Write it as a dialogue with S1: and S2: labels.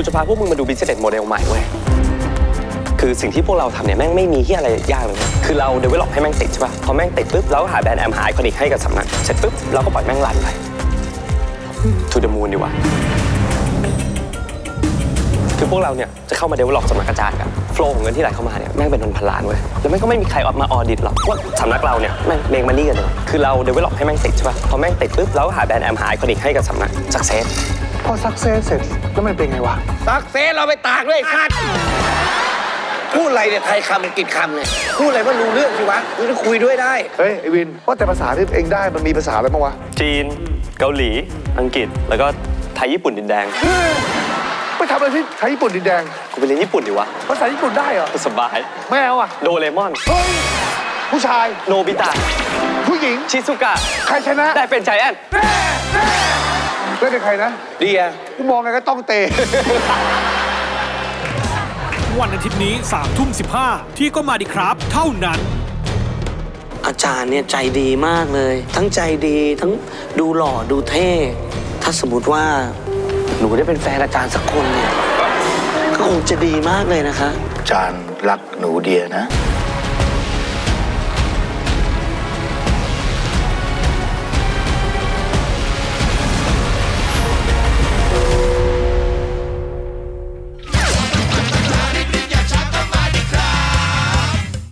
S1: กูจะพาพวกมึงมาดู business model ใหม่เว้ยคือสิ่งที่พวกเราทำเนี่ยแม่งไม่มีที่อะไรยากเลยคือเรา develop ให้แม่งติดใช่ป่ะพอแม่งติดปุ๊บเราก็หาแบรนด์แอมหาไอคอนิกให้กับสำนักเสร็จปุ๊บเราก็ปล่อยแม่งรันไป to the moon ดีกว่าคือพวกเราเนี่ยจะเข้ามา develop สำนักกระจายกันโฟล์ของเงินที่ไหลเข้ามาเนี่ยแม่งเป็นพันล้านเว้ยแล้วแม่งก็ไม่มีใครออกมาออดิตหรอกว่าสำนักเราเนี่ยแม่งเมงมันนี่กันเลยคือเรา develop ให้แม่งติดใช่ป่ะพอแม่งติดปุ๊บเราก็หาแบรนด์แอมหาไอคอนิกให้กับสำนัก success
S2: พอซักเซสเสร็จแล้วมันเป็นไงวะ
S3: ซักเซสเราไปตากด้วยคัดพูดอะไรเนี่ยไทยคำอังกฤษคำเนี่ยพูดอะไรก็รู้เรื่องสิวะกูจะคุยด้วยได้
S2: เฮ้ยไอวินว่าแต่ภาษาที่เองได้มันมีภาษาอะไรบ้างวะ
S1: จีนเกาหลีอังกฤษแล้วก็ไทยญี่ปุ่นดินแดง
S2: ไปทำอะไรที่ไทยญี่ปุ่นดินแดง
S1: กูไปเรียนญี่ปุ่นดีวะ
S2: ภาษาญี่ปุ่นได้เหรอ
S1: สบาย
S2: ไม่เอาอ่ะ
S1: โดเรมอน
S2: เฮ้ยผู้ชาย
S1: โนบิตะ
S2: ผู้หญิง
S1: ชิซุกะ
S2: ใครชนะ
S1: ได้เป็นใจแอน
S2: เล่นเป็นใครนะ
S3: เดีย
S2: กูมองไงก็ต้องเตะ
S4: วันอาทิตย์นี้3:15ที่ก็มาดีครับ เท่านั้น
S5: อาจารย์เนี่ยใจดีมากเลย ทั้งใจดีทั้งดูหล่อดูเท่ ถ้าสมมติว่าหนูได้เป็นแฟนอาจารย์สักคนเนี่ยก็คงจะดีมากเลยนะคะ
S6: อาจารย์รักหนูเดียนะ